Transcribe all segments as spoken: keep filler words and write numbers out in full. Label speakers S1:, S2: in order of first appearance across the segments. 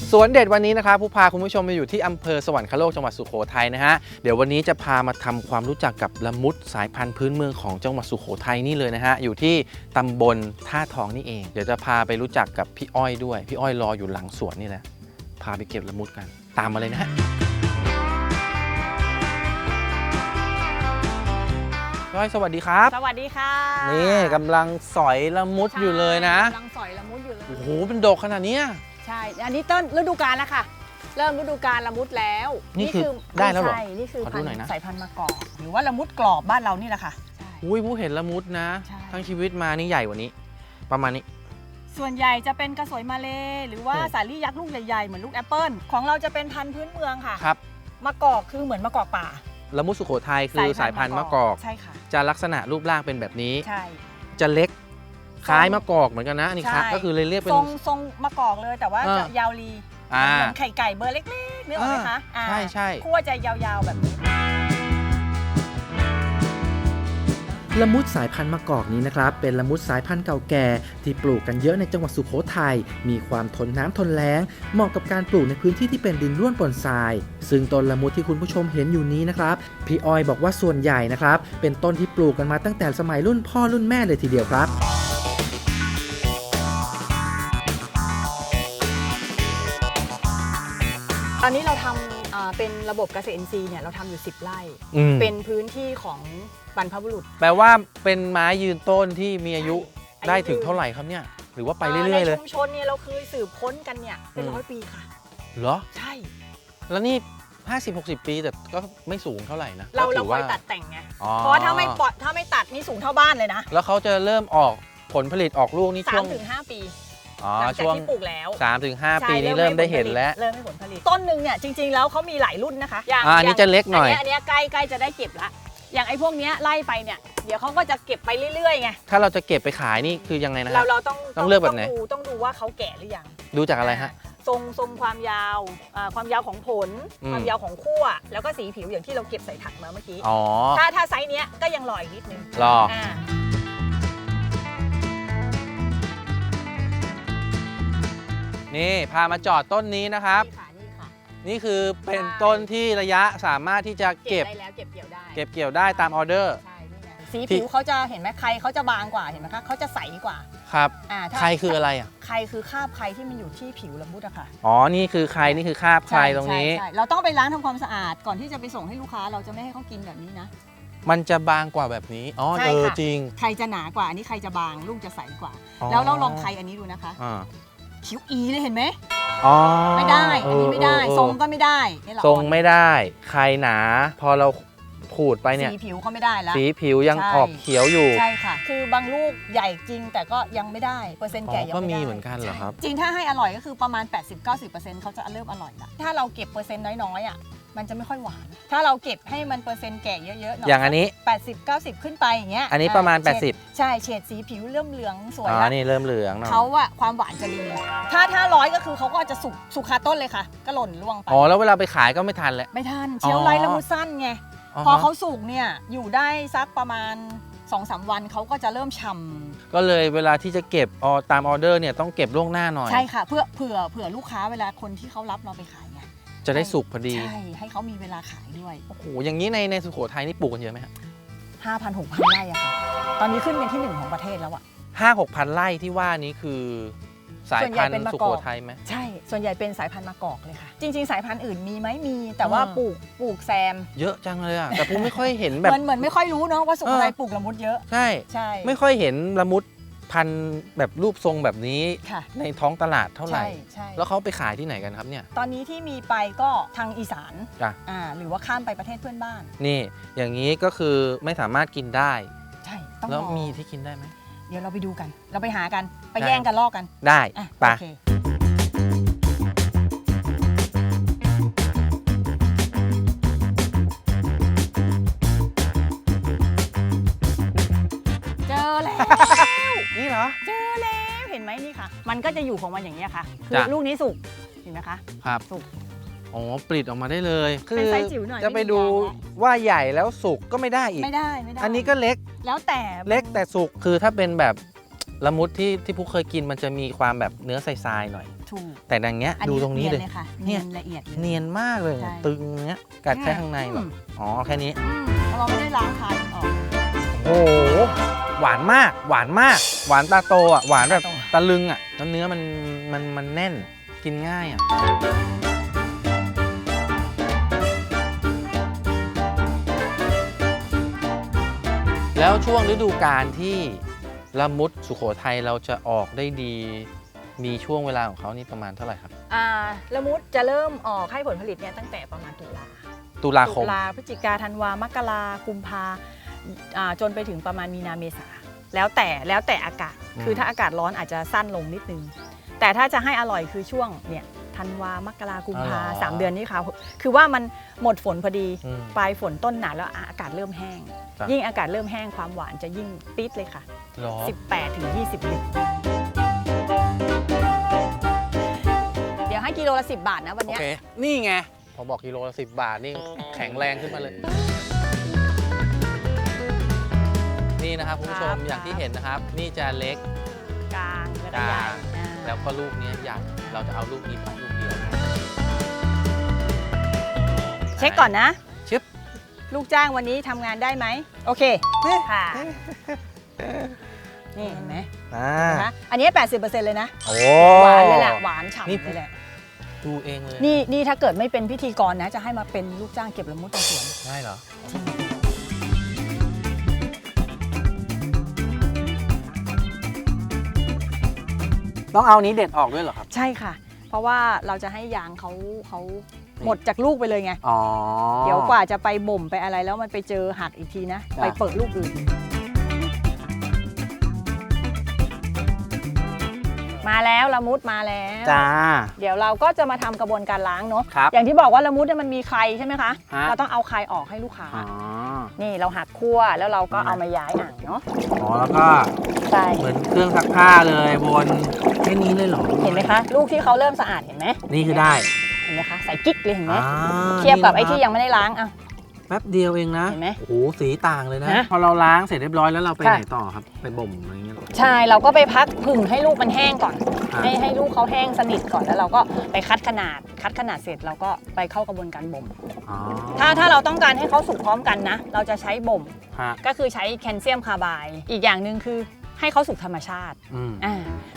S1: สวนเด็ดวันนี้นะครับผู้พาคุณผู้ชมมาอยู่ที่อำเภอสวรรคโลกจังหวัดสุโขทัยนะฮะเดี๋ยววันนี้จะพามาทำความรู้จักกับละมุดสายพันธุ์พื้นเมืองของจังหวัดสุโขทัยนี่เลยนะฮะอยู่ที่ตำบลท่าทองนี่เองเดี๋ยวจะพาไปรู้จักกับพี่อ้อยด้วยพี่อ้อยรออยู่หลังสวนนี่แหละพาไปเก็บละมุดกันตามมาเลยนะฮะพี่อ้อยสวัสดีครับ
S2: สวัสดีค่ะ
S1: นี่กำลังสอยละมุดอยู่เลยนะ
S2: กำลังสอยละมุดอยู่เลย
S1: โอ้โหเป็นดอกขนาดนี้
S2: ใช่อันนี้ต้นฤดูกาลแล้วค่ะเริ่มฤดูกาลละมุดแล้ว
S1: นี่คือได้แล้วเหรอ
S2: ใช่นี่คือพันธุ์สายพันธุ์มะกอกหรือว่าละมุดกรอบบ้านเรานี่แหละค่ะ
S1: อุ้ยผู้เห็นละมุดนะทั้งชีวิตมานี่ใหญ่กว่านี้ประมาณนี้
S2: ส่วนใหญ่จะเป็นกระสวยมาเลหรือว่าสาลี่ยักษ์ลูกใหญ่ๆเหมือนลูกแอปเปิลของเราจะเป็นพันธุ์พื้นเมืองค่ะ
S1: ครับ
S2: มะกอกคือเหมือนมะกอกป่า
S1: ละมุดสุโขทัยคือสายพันธุ์มะกอก
S2: ใช่ค่ะ
S1: จะลักษณะรูปร่างเป็นแบบนี้
S2: ใช่
S1: จะเล็กคล้ายมะกอกเหมือนกันนะนี่ครับก็คือเลยเรียกเป็น
S2: ทรงทรงมะกอกเลยแต่ว่าจะยาวลีเหมือนไข่ไก่เบอร์เล็กๆนึกออกไหมคะ
S1: ใช่ใช่
S2: คั่วจะยาวๆแบบนี้
S3: ละมุดสายพันธุ์มะกอกนี้นะครับเป็นละมุดสายพันธุ์เก่าแก่ที่ปลูกกันเยอะในจังหวัดสุโขทัยมีความทนน้ำทนแล้งเหมาะกับการปลูกในพื้นที่ที่เป็นดินร่วนปนทรายซึ่งต้นละมุดที่คุณผู้ชมเห็นอยู่นี้นะครับพี่อ้อยบอกว่าส่วนใหญ่นะครับเป็นต้นที่ปลูกกันมาตั้งแต่สมัยรุ่นพ่อรุ่นแม่เลยทีเดียวครับ
S2: ตอนนี้เราทำเป็นระบบเกษตรอินทรีย์เนี่ยเราทำอยู่สิบไร่เป็นพื้นที่ของบรรพบุรุษ
S1: แปลว่าเป็นไม้ยืนต้นที่มีอายุได้ถึงเท่าไหร่ครับเนี่ยหรือว่าไปเรื่อยๆเลย
S2: ในชุมชนเนี่ยเราเคยสืบค้นกันเนี่ยเป็นร้อยปีค่ะ
S1: เหรอ
S2: ใช่
S1: แล้วนี่ห้าสิบ หกสิบปีแต่ก็ไม่สูงเท่าไหร่นะ
S2: เราเราคอยตัดแต่งไงเพราะถ้าไม่ปลอดถ้าไม่ตัดนี่สูงเท่าบ้านเลยนะ
S1: แล้วเขาจะเริ่มออกผลผลิตออกลูกนี่ช่วง
S2: สามถึงห้า ปี
S1: อ๋อ
S2: ช่วงที่ปลูกแล้ว
S1: สามถึงห้า ปีนี้เริ่มได้เห็นแล้ว
S2: เริ่มให้ผลผลิตต้นหนึ่งเนี่ยจริงๆแล้วเขามีหลายรุ่นนะคะ
S1: อย่างอันนี้จะเล็กหน่อย
S2: อันนี้ใกล้ใกล้จะได้เก็บละอย่างไอ้พวกนี้ไล่ไปเนี่ยเดี๋ยวเขาก็จะเก็บไปเรื่อยๆไง
S1: ถ้าเราจะเก็บไปขายนี่คือยังไงนะ
S2: เราเราต้อง
S1: ต้องเลือกแบบไหน
S2: ต้องดูว่าเขาแก่หรือยัง
S1: ดูจากอะไรฮะ
S2: ทรงทรงความยาวความยาวของผลความยาวของขั้วแล้วก็สีผิวอย่างที่เราเก็บใส่ถังมาเมื่อกี้ถ้าถ้าไซส์เนี้ยก็ยังรออีกนิดนึง
S1: รอนี่พามาจอดต้นนี้นะครับนี่คือเป็นต้นที่ระยะสามารถที่จะเก็บ
S2: ได้แล้วเก็บเกี่ยวได้
S1: เก็บเกี่ยวได้ตามออเดอร์
S2: สีผิวเขาจะเห็นไหมใครเขาจะบางกว่าเห็นไหมคะเขาจะใสกว่า
S1: ครับใครคืออะไรอ่ะ
S2: ใครคือคราบใครที่มันอยู่ที่ผิวละมุดอะค่ะ
S1: อ๋อนี่คือใครนี่คือคราบใครตรงนี้
S2: เราต้องไปล้างทำความสะอาดก่อนที่จะไปส่งให้ลูกค้าเราจะไม่ให้เขากินแบบนี้นะ
S1: มันจะบางกว่าแบบนี้อ๋อเออจริง
S2: ใครจะหนากว่าอันนี้ใครจะบางลูกจะใสกว่าแล้วเราลองใครอันนี้ดูนะคะผิวอีเลยเห็นไหมไม่ได้อันนี้ไม่ได้ทรงก็ไม่ได้
S1: ทรงไม่ได้ใครหนาพอเราขูดไปเนี่ย
S2: สีผิวเขาไม่ได้แล้ว
S1: สีผิวยังออกเขียวอยู่
S2: ใช่ค่ะคือบางลูกใหญ่จริงแต่ก็ยังไม่ได้เปอร์เซ็นต์แก่ยังไม่ได้
S1: ก็มีเหมือนกันเหรอครับ
S2: จริงถ้าให้อร่อยก็คือประมาณ แปดสิบถึงเก้าสิบเปอร์เซ็นต์ เขาจะเริ่มอร่อยละถ้าเราเก็บเปอร์เซ็นต์น้อยๆอ่ะมันจะไม่ค่อยหวานถ้าเราเก็บให้มันเปอร์เซ็นต์แก่เยอะๆหน่อย
S1: อย่างอันนี้
S2: แปดสิบ เก้าสิบ ขึ้นไปอย่างเงี้ย
S1: อันนี้ประมาณแปดสิบ
S2: ใช่เฉดสีผิวเริ่มเหลืองสวย
S1: แล้วอ๋อนี่เริ่มเหลือง
S2: เขาอะความหวานจะดีถ้าถ้าร้อยก็คือเขาก็จะสุกสุกคาต้นเลยค่ะก็หล่นร่วงไป
S1: อ๋อแล้วเวลาไปขายก็ไม่ทันแหละ
S2: ไม่ทันเชลฟ์ไลท์ละมุดสั้นไงพอเขาสุกเนี่ยอยู่ได้สักประมาณ สองสาม วันเขาก็จะเริ่มฉ่ำ
S1: ก็เลยเวลาที่จะเก็บออตามออเดอร์เนี่ยต้องเก็บล่วงหน้าหน่อย
S2: ใช่ค่ะเพื่อเผื่อเผื่อลูกค้าเวลาคนที่เขารับเราไปขายไง
S1: จะได้สุกพอดี
S2: ใช่ให้เขามีเวลาขายด้วย
S1: โอ้โหอย่างนี้ในในสุโขทัยนี่ปลูกกันเยอะไหมครับ
S2: ห้าพันหกพันไร่อะค่ะตอนนี้ขึ้นเป็นที่หนึ่งของประเทศแล้วอะ
S1: ห้าหกพันไร่ที่ว่านี้คือสายพันธุ์สุโขทัยไหม
S2: ใช่ส่วนใหญ่เป็นสายพันธุ์มะกอกเลยค่ะจริงๆสายพันธุ์อื่นมีไหมมีแต่ว่าปลูกปลูกแซม
S1: เยอะจังเลยอะแต่ผมไม่ค่อยเห็นแบบ
S2: เหมือนเหมือนไม่ค่อยรู้เนาะว่าสุโขทัยปลูกละมุดเยอะ
S1: ใช่ใช่ไม่ค่อยเห็นละมุดพันแบบรูปทรงแบบนี้ในท้องตลาดเท่าไหร่แล้วเขาไปขายที่ไหนกันครับเนี่ย
S2: ตอนนี้ที่มีไปก็ทางอีสานอ่าหรือว่าข้ามไปประเทศเพื่อนบ้าน
S1: นี่อย่างนี้ก็คือไม่สามารถกินได้
S2: ใช่ต้อง
S1: แล้วมีที่กินได้ไหม
S2: เดี๋ยวเราไปดูกันเราไปหากันไปแย่งกันลอกกัน
S1: ได้ไป
S2: เจอแล้ว
S1: นี่เหรอ
S2: เจอแล้วเห็นไหมนี่ค่ะมันก็จะอยู่ของมันอย่างนี้ค่ะคือลูกนี้สุกเห็นไหมคะ
S1: ครับ
S2: สุก
S1: อ๋อปลิดออกมาได้เลยคือจะไปดูว่าใหญ่แล้วสุกก็ไม่ได้อีก
S2: ไม่ได้ไม่ได้
S1: อันนี้ก็เล็ก
S2: แล้วแต่
S1: เล็กแต่สุกคือถ้าเป็นแบบละมุดที่ที่ผู้เคยกินมันจะมีความแบบเนื้อทรายๆหน่อย
S2: ถูก
S1: แต่ดังเนี้ย
S2: อัน
S1: ดู
S2: นี้
S1: ตรงนี้
S2: เนีย
S1: เลย
S2: เลยค่ะ
S1: เนี่
S2: เนี
S1: ย
S2: ยนละเอียดเลย
S1: เนียนมากเลย
S2: ใช่
S1: ตึงเนี้ยกัดแค่ข้างในแบบ
S2: อืม
S1: อ๋อแค่นี้
S2: อืมเราไม่ได้ล้างคายมันออก
S1: โอ้โหหวานมากหวานมาก หวานตาโตอ่ะหวานแบบ
S2: ตาโต
S1: ตะลึงอ่ะแล้วเนื้อมันมันมันแน่นกินง่ายอ่ะแล้วช่วงฤดูกาลที่ละมุดสุโขทัยเราจะออกได้ดี มีช่วงเวลาของเขานี่ประมาณเท่าไหร่ครับ
S2: อ่าละมุดจะเริ่มออกให้ผลผลิตเนี่ยตั้งแต่ประมาณตุลา
S1: ตุลาค
S2: ตุ
S1: ม
S2: ลาพฤศจิกาธันวามกรากุมภาอ่าจนไปถึงประมาณมีนาเมษาแล้วแต่แล้วแต่อากาศ
S1: อืม
S2: คือถ้าอากาศร้อนอาจจะสั้นลงนิดนึง แต่ถ้าจะให้อร่อยคือช่วงเนี่ยธันวามกรากุมภาสามเดือนนี้ค่ะคือว่ามันหมดฝนพอดี
S1: อืม
S2: ปลายฝนต้นหนาวแล้วอากาศเริ่มแห้ง
S1: จ้ะ
S2: ยิ่งอากาศเริ่มแห้งความหวานจะยิ่งปี๊ดเลยค่ะ
S1: หรอ
S2: สิบแปดถึงยี่สิบลิตรเดี๋ยวให้กิโลละสิบบาทนะวัน
S1: โอ
S2: เนี้ย
S1: เค นี่ไง พอบอกกิโลละสิบบาทนี่แข็งแรงขึ้นมาเลย นี่นะครับคุณผู้ชม
S2: ครับ
S1: อย่างที่เห็นนะครับ นี่จะเล็ก
S2: กลางแล้วก็
S1: ก
S2: ใหญ่
S1: ลาง
S2: อ่า
S1: แล้วก็ลูกนี้ใหญ่ เราจะเอาลูกนี้ไปลูกเดียว
S2: เช็คก่อนนะ
S1: ชึบ
S2: ลูกจ้างวันนี้ทำงานได้ไหม โอเค ค่ะ นี่เห็นไหม
S1: อ่า
S2: นะคะอันนี้ แปดสิบเปอร์เซ็นต์ เลยนะ
S1: โอ้
S2: หวานเลยแหละ หวานฉ่ำ
S1: นี่
S2: เลยแหละ
S1: ดูเองเลย
S2: นี่นี่ถ้าเกิดไม่เป็นพิธีกรนะ จะให้มาเป็นลูกจ้างเก็บละมุดในสวน
S1: ได้เหรอ ต้องเอานี้เด็ดออกด้วยเหรอครับ
S2: ใช่ค่ะ เพราะว่าเราจะให้ยางเขาเขาหมดจากลูกไปเลยไง
S1: อ๋อ
S2: เดี๋ยวกว่าจะไปบ่มไปอะไรแล้วมันไปเจอหักอีกทีนะ
S1: จ้ะ
S2: ไปเปิดลูกอื่น มาแล้วละมุดมาแล้ว
S1: จ้า
S2: เดี๋ยวเราก็จะมาทำกระบวนการล้างเนาะ
S1: ครับ
S2: อย่างที่บอกว่าละมุดเนี่ยมันมีไข่ใช่ไหมคะ
S1: ฮะ
S2: เราต้องเอาไข่ออกให้ลูกค้า
S1: อ๋อ
S2: นี่เราหักคั่วแล้วเราก็เอามาย้ายอ่างเนาะ
S1: อ๋อ แล้วก็
S2: ใช่
S1: เหมือนเครื่องซักผ้าเลยวนแค่นี้เลยเหรอ
S2: เห็นไหมคะ ลูกที่เขาเริ่มสะอาดเห็นไหม
S1: นี่คือได้
S2: เห็นไหมคะใส่กิ๊กเลยเห็นไหม
S1: อ่า
S2: เทียบกับไอ้
S1: นี่
S2: ที่
S1: นะค
S2: ยังไม่ได้ล้างอ่ะ
S1: แป๊บเดียวเองนะ
S2: เห็นไหม
S1: โอ้โหสีต่างเลยนะ
S2: นะ
S1: พอเราล้างเสร็จเรียบร้อยแล้วเราไป
S2: ค่ะ
S1: ไหนต่อครับ ไปบ่มอะไรเงี้ยเหรอ
S2: ใช่เราก็ไปพักผึ่งให้ลูกมันแห้งก่อน
S1: ครับ
S2: ให้ให้ลูกเขาแห้งสนิทก่อนแล้วเราก็ไปคัดขนาดคัดขนาดเสร็จเราก็ไปเข้ากระบวนการบ่ม
S1: อ๋อ
S2: ถ้าถ้าเราต้องการให้เขาสุกพร้อมกันนะ เราจะใช้บ่ม
S1: ฮะ
S2: ก็คือใช้แคลเซียมคาร์ไบด์อีกอย่างหนึ่งคือให้เขาสุกธรรมชาติ
S1: อืม
S2: อ่า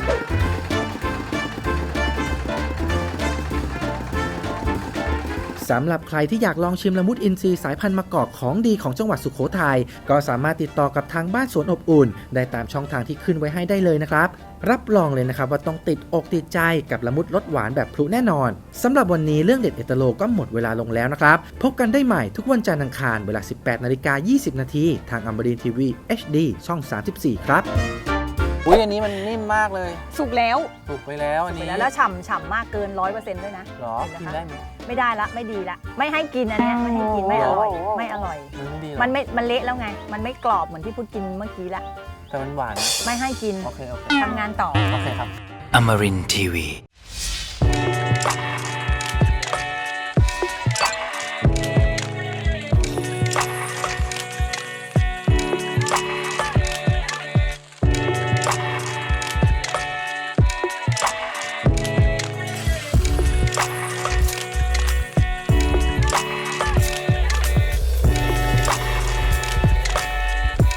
S3: สำหรับใครที่อยากลองชิมละมุดอินทรีย์สายพันธุ์มะกอกของดีของจังหวัดสุโขทัยก็สามารถติดต่อกับทางบ้านสวนอบอุ่น ได้ตามช่องทางที่ขึ้นไว้ให้ได้เลยนะครับ รับรองเลยนะครับว่าต้องติดอกติดใจกับละมุดรสหวานแบบพลุแน่นอนสำหรับวันนี้เรื่องเด็ดเอตโลก็หมดเวลาลงแล้วนะครับ พบกันได้ใหม่ทุกวันจันทร์อังคารเวลา สิบแปดนาฬิกายี่สิบนาทีทางอมรินทร์ทีวี เอช ดี ช่อง สามสิบสี่ ครับ
S1: อุ้ยอันนี้มันนิ่มมากเลย
S2: สุกแล้ว
S1: ถูกไปแล้วอัน
S2: ไป
S1: นี้
S2: แล้วแล้วฉ่ำฉ่ำมากเกินร้อยเปอร์เซ็นต์ด้วยนะ
S1: หรอ
S2: เห็
S1: กิ
S2: น
S1: น
S2: ไหมคะ
S1: ได้ไหม
S2: ไม่ได้ละไม่ดีละไม่ให้กินอันเนี้ยไม่ให้กินไม่อร่อย
S1: โอ้โห
S2: ไม่อร่อย
S1: มันไม่ดีหรอ
S2: มันไม่มันเละแล้วไง มันไม่กรอบเหมือนที่พูดกินเมื่อกี้ละ
S1: แต่มันหวานนะ
S2: ไม่ให้กิน
S1: โอเคโอเค
S2: ทำงานต่อ
S1: โอเคครับ
S4: Amarin Tiwi.